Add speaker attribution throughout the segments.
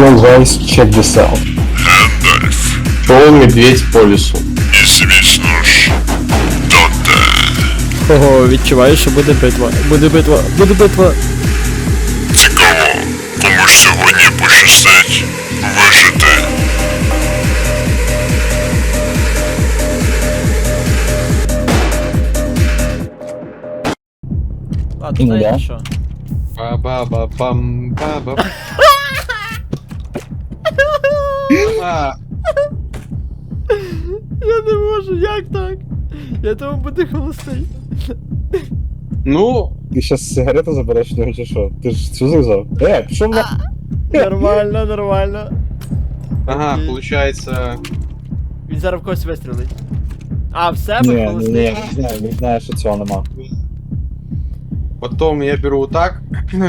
Speaker 1: Yo guys, check this out.
Speaker 2: Гэндальф
Speaker 1: Шел медведь по лесу.
Speaker 2: і звісно ж, Доте.
Speaker 3: Ого, відчуваю, що буде битва. Буде битва, буде битва.
Speaker 2: Цікаво, кому ж сьогодні пощастить вижити.
Speaker 3: Ладно,
Speaker 1: Ну да.
Speaker 3: знаєш що?
Speaker 4: Ба-ба-ба-бам-ба-ба. А,
Speaker 3: Я не можу, як так? Я тому буду холостий.
Speaker 4: Ну,
Speaker 1: Ти щас сигарету забереш, ну чи що? Ти ж цю зав'язав? Пішов на...
Speaker 3: Нормально, нормально.
Speaker 4: ага,
Speaker 3: Окей.
Speaker 4: получается...
Speaker 3: Він зараз в когось вистрілить. А, в себе
Speaker 1: Ні,
Speaker 3: холостий?
Speaker 1: не знаю, що цього нема.
Speaker 4: Потом я беру вот так.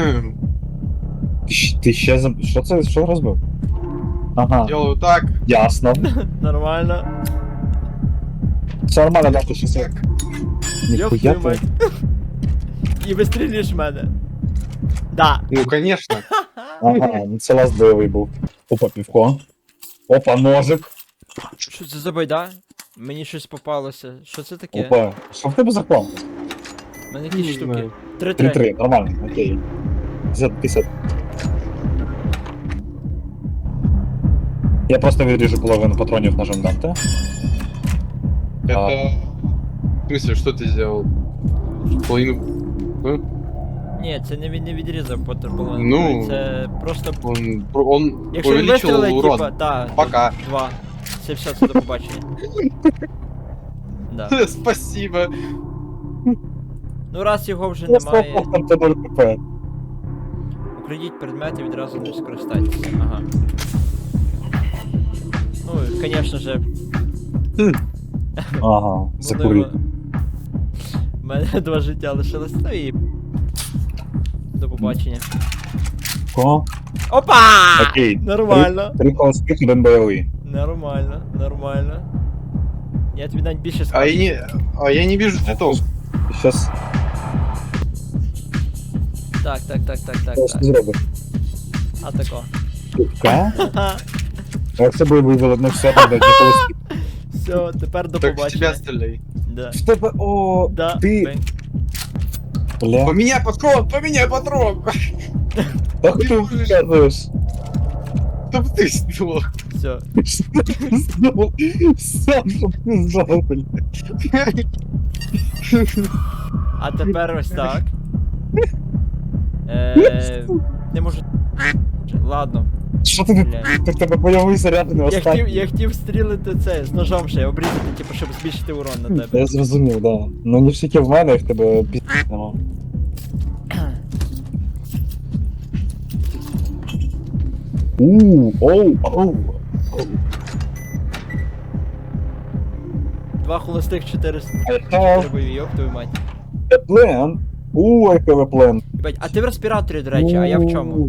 Speaker 1: Ти ще за... Що це? Що розбив? Ага,
Speaker 4: Делаю так.
Speaker 1: ясно.
Speaker 3: Нормально.
Speaker 1: Все нормально, да, ти щас як...
Speaker 3: Йоп
Speaker 1: Ніхуя
Speaker 3: твою
Speaker 1: ти.
Speaker 3: мать. І вистрілюєш в мене. Да.
Speaker 4: Ну, конечно.
Speaker 1: Ага, ну це лаз бойовий був. Опа, півко. Опа, ножик.
Speaker 3: Що це за байда? Мені щось попалося. Що це таке?
Speaker 1: Опа. Що в тебе за клан?
Speaker 3: У мене якісь
Speaker 4: Не
Speaker 3: штуки.
Speaker 4: знаю.
Speaker 3: 3-3.
Speaker 1: 3-3, нормально, окей. 50. Я просто виріжу половину патронів ножом Данте.
Speaker 4: Это... В смысле, что ты сделал? Половину... Ну,
Speaker 3: Ні, це не відрізав половину.
Speaker 4: Ну.
Speaker 3: Це просто.
Speaker 4: он
Speaker 3: Якщо він
Speaker 4: увеличил
Speaker 3: вистрілить,
Speaker 4: урон.
Speaker 3: типа, да.
Speaker 4: Пока.
Speaker 3: 2. Це до побачення. Да.
Speaker 4: Спасибо.
Speaker 3: Ну раз його вже
Speaker 1: Я
Speaker 3: немає.
Speaker 1: слухав, там це 0 КП.
Speaker 3: Украдіть предмет і відразу не скористайтеся. Ага. Ну, і, конечно же,
Speaker 1: Ага, закурив.
Speaker 3: У мене 2 життя лишилось, ну і. До побачення.
Speaker 1: Ко?
Speaker 3: Опа!
Speaker 1: Окей.
Speaker 3: Нормально.
Speaker 1: 3 холостих, 1 бойовий.
Speaker 3: Нормально, нормально. Я тобі навіть більше
Speaker 4: А
Speaker 3: скажу.
Speaker 4: я не вижу цветов.
Speaker 1: Щас,
Speaker 3: Так.
Speaker 1: що зробиш?
Speaker 3: А тако.
Speaker 1: Ка?
Speaker 3: Ха-ха.
Speaker 1: А як це бойовий вилетне все, там, де холостих?
Speaker 3: Все, тепер до
Speaker 4: Так в
Speaker 3: побачення.
Speaker 4: тебя стреляй.
Speaker 3: Да.
Speaker 1: В тебе, о,
Speaker 3: Да.
Speaker 1: ти,
Speaker 3: бень.
Speaker 1: бля.
Speaker 4: Поменяй патрон, поменяй патрон!
Speaker 1: Так ти вказуєш.
Speaker 4: Чтоб ты сдох.
Speaker 3: Все.
Speaker 1: Сам, щоб не знав, бля.
Speaker 3: А тепер ось так. Не можу. Ладно.
Speaker 1: Що ти,
Speaker 3: Бля.
Speaker 1: ти в тебе бойовий заряд не останній?
Speaker 3: Я хотів стрілити це з ножом ще обрізати, типу, щоб збільшити урон на тебе.
Speaker 1: Я зрозумів, да. Ну не всякі в мене, і в тебе пі*** нема. Оу.
Speaker 3: 2 холостих, 4
Speaker 1: have
Speaker 3: бойові, йоп твою мать.
Speaker 1: a plan. Який ви план.
Speaker 3: Єбать, а ти в респіраторі, до речі, а я в чому?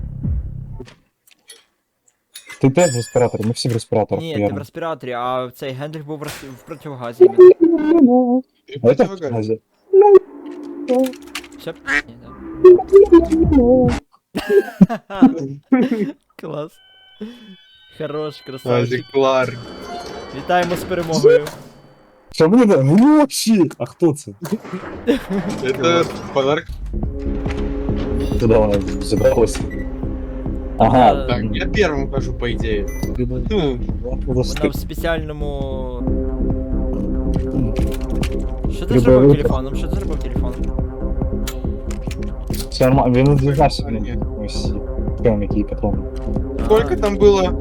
Speaker 1: Ти теж в респіраторі, ми всі в респіраторах.
Speaker 3: Ні, ти в респіраторі, а цей Гендрих був в противогазі. іменно.
Speaker 1: А я так в газі.
Speaker 3: Все? Ні, да. Клас. Хорош, красавчик.
Speaker 4: Клар.
Speaker 3: Вітаємо з перемогою.
Speaker 1: Що мені не? Гроші! А хто це?
Speaker 4: Это подарок.
Speaker 1: Куди вони зібралися? Ага.
Speaker 4: Так, я первым хожу, по идее.
Speaker 3: Вона в спеціальному. Що ти
Speaker 1: Любе
Speaker 3: зробив
Speaker 1: рука.
Speaker 3: телефоном? Що ти зробив телефоном?
Speaker 1: Все нормально, він не дізнався, блін. Ось прям який патрон.
Speaker 4: Сколько там было?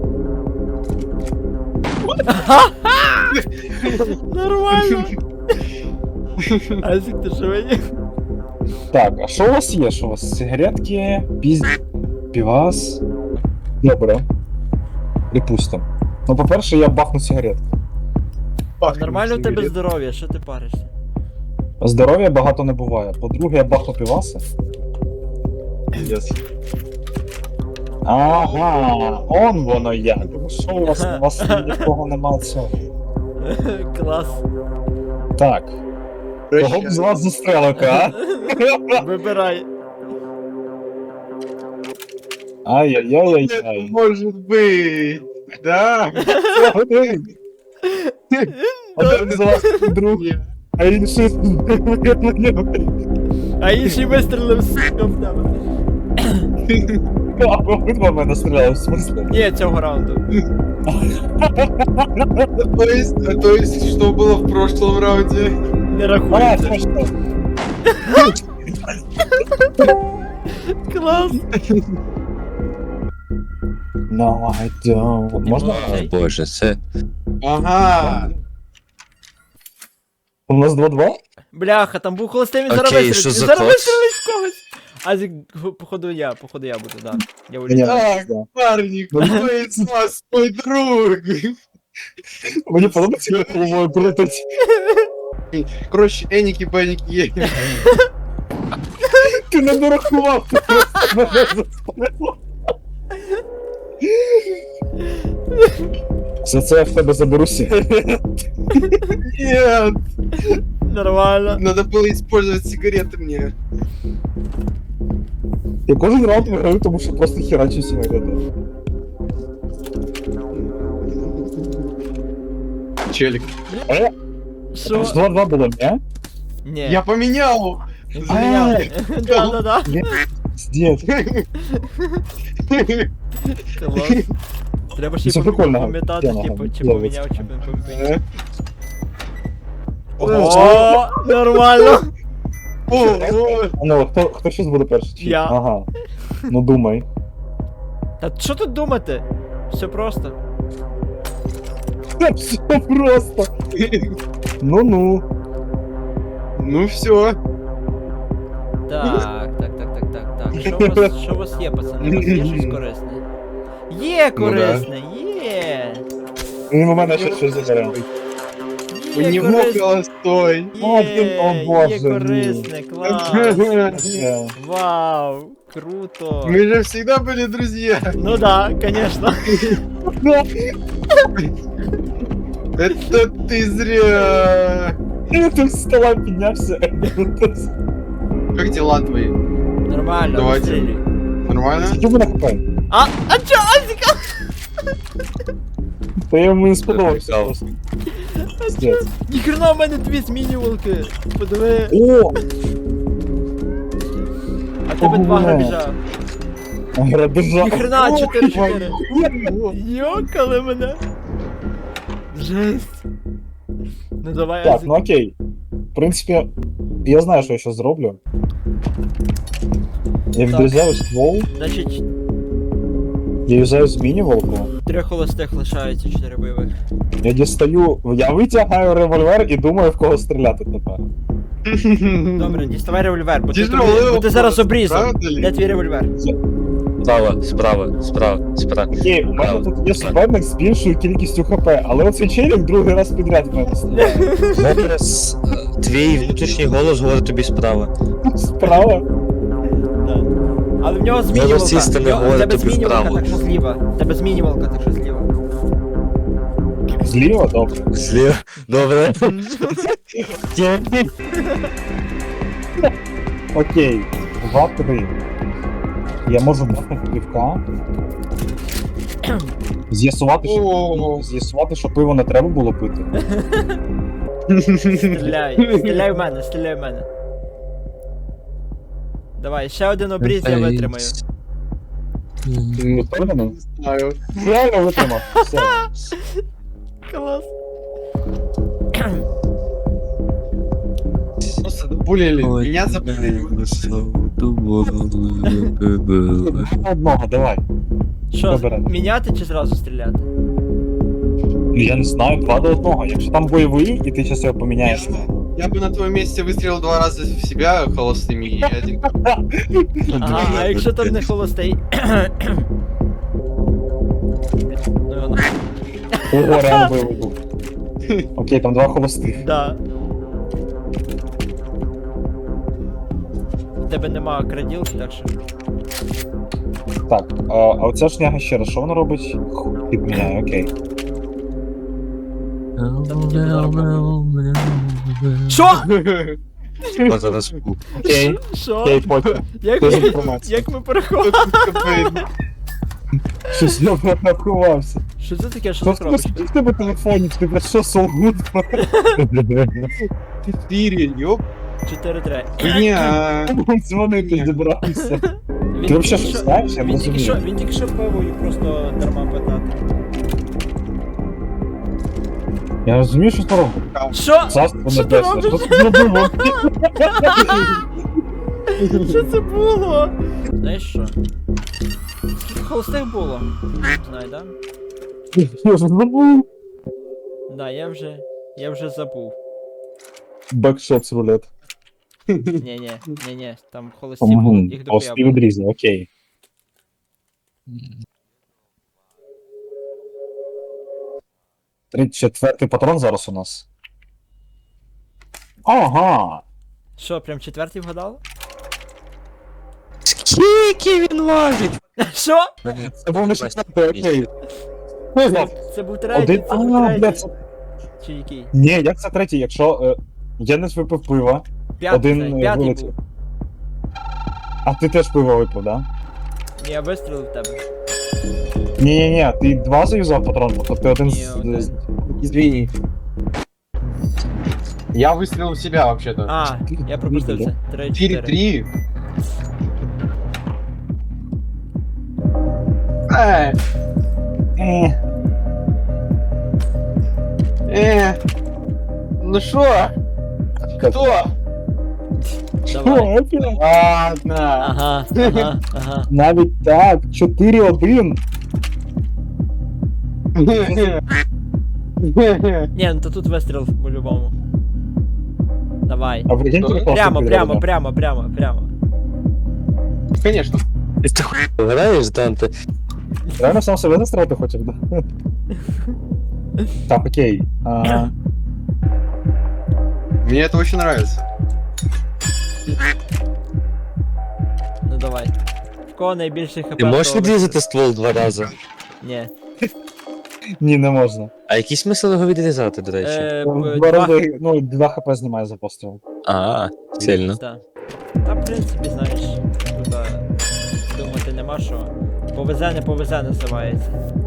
Speaker 3: Нормально! Азик, ти живий?
Speaker 1: Так, а що у вас є? Що у вас? Сигаретки, півас. Добре. Припустим. Ну, по-перше, я бахну сигаретку.
Speaker 3: Нормально в тебе здоров'я, що ти паришся?
Speaker 1: Здоров'я багато не буває. По-друге, я бахну піваси.
Speaker 4: Yes.
Speaker 1: Ага, он воно як. Ну що у вас нікого нема цього.
Speaker 3: Клас.
Speaker 1: Так, кого б з вас застрелити, а?
Speaker 3: Вибирай.
Speaker 1: Ай-яй-яй-яй-яй.
Speaker 4: Может быть. Да.
Speaker 1: Один з вас друг, а інший на нього.
Speaker 3: А інший вистрілив сука в тебе.
Speaker 1: А обидва в мене стріляли, в смысле?
Speaker 3: Ні, цього раунду.
Speaker 4: То есть, что было в прошлом раунде?
Speaker 3: Не
Speaker 1: А,
Speaker 3: рахується.
Speaker 1: точно.
Speaker 3: Клас.
Speaker 1: No, I don't. Можна?
Speaker 3: Цей.
Speaker 5: Боже, це.
Speaker 4: Ага.
Speaker 1: У нас 2-2?
Speaker 3: Бляха, там був холостий, він зараз
Speaker 5: Окей,
Speaker 3: вистрілить.
Speaker 5: що
Speaker 3: Він
Speaker 5: за
Speaker 3: зараз
Speaker 5: код?
Speaker 3: вистрілить в когось. Азік, походу я буду, да. Я
Speaker 1: Ні,
Speaker 3: улітаю.
Speaker 4: Так,
Speaker 1: да.
Speaker 4: парни, кто из вас мой друг?
Speaker 1: Мені подобається, як головою крутить.
Speaker 4: Короче, Эники, Беники,
Speaker 1: Ти не дорахував, ти просто мене заспалив. За це я в тебе заберуся.
Speaker 4: Нет,
Speaker 3: Нормально.
Speaker 4: надо было использовать сигареты мне.
Speaker 1: Я кожен раунд виграю, тому що просто херачу сигарети.
Speaker 4: Челик.
Speaker 3: Що?
Speaker 1: 2-2 було, ні?
Speaker 3: Ні.
Speaker 4: Я поменял.
Speaker 3: Він поміняв. Да.
Speaker 1: Здєт.
Speaker 3: Клас. Треба ще
Speaker 1: Це
Speaker 3: й
Speaker 1: прикольно.
Speaker 3: пам'ятати,
Speaker 1: Тема,
Speaker 3: типу, чи
Speaker 1: ловиться.
Speaker 3: поміняв, чи не поміняв.
Speaker 1: Ого.
Speaker 3: О, нормально.
Speaker 4: О,
Speaker 1: Ну, хто щось буде перший? Чи?
Speaker 3: Я.
Speaker 1: Ага. Ну думай.
Speaker 3: Та що тут думати? Все просто.
Speaker 1: Все просто. Ну-ну.
Speaker 4: Ну все.
Speaker 3: Так. Що у вас є, пацани? У вас є щось корисне? Є корисне, є.
Speaker 1: Він у мене ще щось забере.
Speaker 4: У
Speaker 3: Є
Speaker 4: него
Speaker 3: корисне.
Speaker 4: холостой.
Speaker 1: О, Боже
Speaker 3: Є
Speaker 1: мій.
Speaker 3: корисне, клас.
Speaker 1: Все.
Speaker 3: Вау, круто.
Speaker 4: Мы же всегда были друзья.
Speaker 3: Ну да, конечно.
Speaker 4: Это ты зря.
Speaker 1: Я тут з стола піднявся.
Speaker 4: Как дела твои?
Speaker 3: Нормально,
Speaker 4: Давайте.
Speaker 3: вистрілюй.
Speaker 4: Нормально?
Speaker 1: Скільки мене хапає?
Speaker 3: А чо, Азіка?
Speaker 1: Та я йому не сподобався
Speaker 5: Прикол.
Speaker 1: просто. Здєт.
Speaker 3: Ніхрена в мене дві змінювалки. Подиви.
Speaker 1: О!
Speaker 3: А в тебе два
Speaker 1: Ого.
Speaker 3: грабіжа.
Speaker 1: Грабежа.
Speaker 3: Ніхрена,
Speaker 1: О,
Speaker 3: 4-4.
Speaker 1: ой.
Speaker 3: Йокали мене. Жесть. Ну давай,
Speaker 1: Так,
Speaker 3: Азік.
Speaker 1: ну окей. В принципі, я знаю, що я зараз зроблю. Я відрізаю ствол,
Speaker 3: Значить,
Speaker 1: я юзаю змінювалку,
Speaker 3: 3 холостих лишається, 4 бойових.
Speaker 1: я дістаю, я витягаю револьвер і думаю, в кого стріляти тепер.
Speaker 3: Добре, діставай револьвер, бо ти,
Speaker 4: Тяжелий
Speaker 3: бо ти зараз
Speaker 4: вопрос,
Speaker 3: обрізав.
Speaker 4: правда ли?
Speaker 3: Де твій револьвер?
Speaker 5: Справа.
Speaker 1: Окей, у мене тут є суперник з більшою кількістю хп, але оцей челік другий раз підряд в мене стріляє.
Speaker 5: Зараз твій внутрішній голос говорить тобі справа.
Speaker 1: Справа.
Speaker 3: Да. Але в нього змінювалка.
Speaker 5: Зараз істина
Speaker 3: В нього- в
Speaker 5: говорить
Speaker 3: тебе
Speaker 5: тобі
Speaker 3: змінювалка,
Speaker 5: вправо.
Speaker 3: так що зліва. В тебе змінювалка, так що зліва.
Speaker 1: Зліва, добре.
Speaker 5: Зліва. Добре.
Speaker 1: Окей, 2-3. Я можу бахнути півка. З'ясувати, що пиво не треба було пити.
Speaker 3: Стріляй в мене. Давай, ще один обріз я витримаю.
Speaker 1: Впевнений?
Speaker 4: Не знаю.
Speaker 1: Реально витримав. Все.
Speaker 3: Клас.
Speaker 4: Просто забулили. Меня забулили.
Speaker 1: Одного, давай.
Speaker 3: Що,
Speaker 1: Добре.
Speaker 3: міняти чи зразу стріляти?
Speaker 1: Я не знаю, 2-1. Якщо там бойовий, і ти зараз його поміняєш.
Speaker 4: Я бы на твоем месте выстрелил 2 раза в себя холостыми и один.
Speaker 3: Ага, а якщо там не холостий? Ну його нахуй.
Speaker 1: Ого, реально бойовий був. Окей, там 2 холостих.
Speaker 3: Да. У тебе нема краділки, так що.
Speaker 1: Так, а оця шняга ще раз, що вона робить? Підміняє, окей.
Speaker 3: Що?
Speaker 5: Зараз
Speaker 1: Окей,
Speaker 3: Що?
Speaker 1: окей, потім.
Speaker 3: Як
Speaker 1: Без
Speaker 3: ми,
Speaker 1: інформації.
Speaker 3: як ми переховали?
Speaker 1: Щось я прорахувався.
Speaker 3: Що це таке, що
Speaker 1: Що
Speaker 3: ти робиш?
Speaker 1: в тебе телефоні? Ти про що солгут?
Speaker 4: 4, ёп.
Speaker 3: 4-3.
Speaker 4: Ня.
Speaker 1: Дзвонити зібрався.
Speaker 3: Він
Speaker 1: Ти взагалі
Speaker 3: тільки
Speaker 1: щось
Speaker 3: що-
Speaker 1: знаєш? Я не розумію.
Speaker 3: Він тільки що пиво і просто дарма питати.
Speaker 1: Я розумію, що це робить.
Speaker 3: Що?
Speaker 1: Царство
Speaker 3: Що ти
Speaker 1: небесне. Що
Speaker 3: робиш?
Speaker 1: ти зробив?
Speaker 3: Що це було? Знаєш що? Скільки холостих було? Знаю, да?
Speaker 1: Я ж забув.
Speaker 3: Да, я вже забув.
Speaker 1: Бекшот з рулет.
Speaker 3: Ні, там холості були, їх
Speaker 1: Ось
Speaker 3: дохуя
Speaker 1: ти
Speaker 3: було.
Speaker 1: відрізав, окей. 34-й патрон зараз у нас. Ага.
Speaker 3: Що, прям четвертий вгадав?
Speaker 5: Скільки він важить?
Speaker 3: Що?
Speaker 1: Це був не 16-й, окей.
Speaker 3: Це був третій,
Speaker 1: Один.
Speaker 3: це був
Speaker 1: А,
Speaker 3: третій.
Speaker 1: блядь, це...
Speaker 3: Чи який?
Speaker 1: Ні, як це третій, якщо Янис випив пива,
Speaker 3: П'ятий,
Speaker 1: один
Speaker 3: п'ятий
Speaker 1: вилетів.
Speaker 3: був.
Speaker 1: А ти теж пиво випив, да?
Speaker 3: Ні, я вистрілив в тебе.
Speaker 1: Ні, ти два заюзав патрон, тобто ти один
Speaker 3: Ні, один.
Speaker 4: Извини. Я выстрелил в себя вообще-то.
Speaker 3: А, я пропустив це. 3-4.
Speaker 4: 4-3. Э, ну шо? Кто?
Speaker 3: Давай.
Speaker 4: Ладно.
Speaker 3: Ага.
Speaker 1: Навіть так, 4-1.
Speaker 3: Ні, ну то тут вистріл по-любому. Давай.
Speaker 1: А прикинь, ти
Speaker 3: Прямо.
Speaker 4: Конечно.
Speaker 5: Ти хуй граєш, Данте?
Speaker 1: Реально сам себе застрелити хочеш, да? Так, окей.
Speaker 4: Мне это очень нравится.
Speaker 3: Ну давай. В кого найбільше хп?
Speaker 5: Ти можеш
Speaker 3: того
Speaker 5: відрізати ствол 2 рази?
Speaker 3: Ні.
Speaker 1: Ні, не можна.
Speaker 5: А який смисл його відрізати, до речі?
Speaker 1: Два рази, ну, 2 хп знімає за постріл.
Speaker 5: А, сильно.
Speaker 3: Так. Та, в принципі, знаєш, тут думати нема що. Повезе, не повезе називається.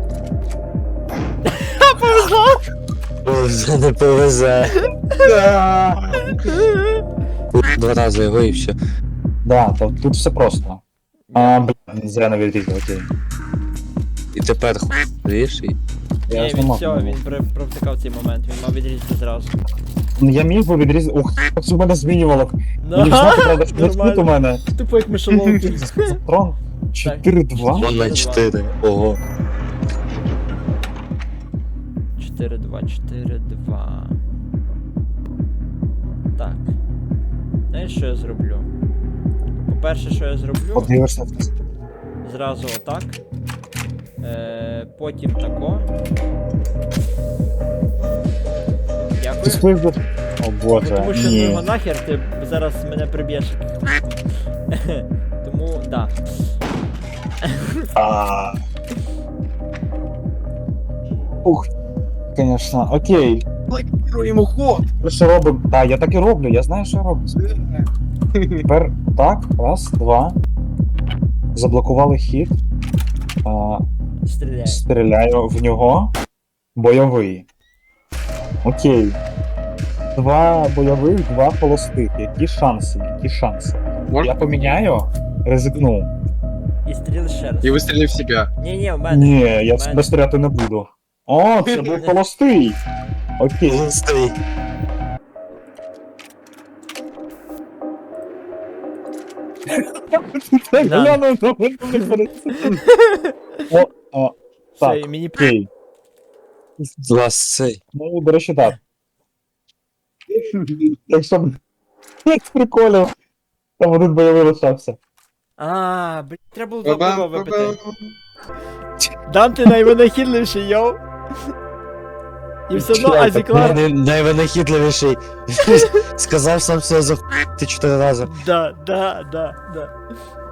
Speaker 5: Повезе, не повезе.
Speaker 4: Да.
Speaker 5: 2 рази його і все.
Speaker 1: Да, тут все просто. Блін, зря не відрізав, окей.
Speaker 5: І тепер хуй ріж і...
Speaker 1: Я
Speaker 3: Ні,
Speaker 1: ж
Speaker 3: він
Speaker 1: не мав.
Speaker 3: все, він провтикав цей момент, він мав відрізати зразу.
Speaker 1: Ну, я міг би відрізати. Ух, це в мене змінювало.
Speaker 3: Ну,
Speaker 1: Мені знати, правда, що тут у
Speaker 3: нормально.
Speaker 1: мене.
Speaker 3: Тупо як мишоловки.
Speaker 1: Патрон 4-2.
Speaker 5: 2 на 4. Ого.
Speaker 3: 4-2. Так. Знаєш, що я зроблю? По-перше, що я зроблю,
Speaker 1: Подивишся.
Speaker 3: зразу отак. Потім тако.
Speaker 1: Ти
Speaker 3: Дякую.
Speaker 1: сплив би. О
Speaker 3: Ну,
Speaker 1: боже,
Speaker 3: тому що ну
Speaker 1: ні.
Speaker 3: його нахер, ти зараз мене приб'єш. Тому, да.
Speaker 1: А. Ух, конечно, окей.
Speaker 4: Блокируй ему ход.
Speaker 1: Ми що робимо? Так, я так і роблю, я знаю, що я роблю. Тепер так, раз, два. Заблокували хід.
Speaker 3: Стріляй.
Speaker 1: Стріляю в нього. Бойовий. Окей. 2 бойових, 2 холостих. Які шанси?
Speaker 4: Может,
Speaker 1: Я поміняю, ризикну.
Speaker 3: І стріли ще раз.
Speaker 4: и выстрели в себя.
Speaker 3: Ні, в мене.
Speaker 1: Ні, я
Speaker 3: мене.
Speaker 1: себе стріляти не буду. О, це був холостий. Окей.
Speaker 5: Листий.
Speaker 1: Так,
Speaker 3: Да.
Speaker 1: гляну на мене перед цим. О,
Speaker 3: Все,
Speaker 1: так,
Speaker 3: і мені
Speaker 1: окей.
Speaker 5: Влас цей.
Speaker 1: Ну, до речі, так. Якщо б з приколів, там один бойовий лишався.
Speaker 3: блін, треба було два пива
Speaker 4: Ба-бам,
Speaker 3: випити.
Speaker 4: ба-бам.
Speaker 3: Данте найвинахідливіший, йоу. І все одно
Speaker 1: Чекай,
Speaker 3: Азіклар.
Speaker 5: Найвинахідливіший. Сказав сам себе за ти 4 рази.
Speaker 3: Да.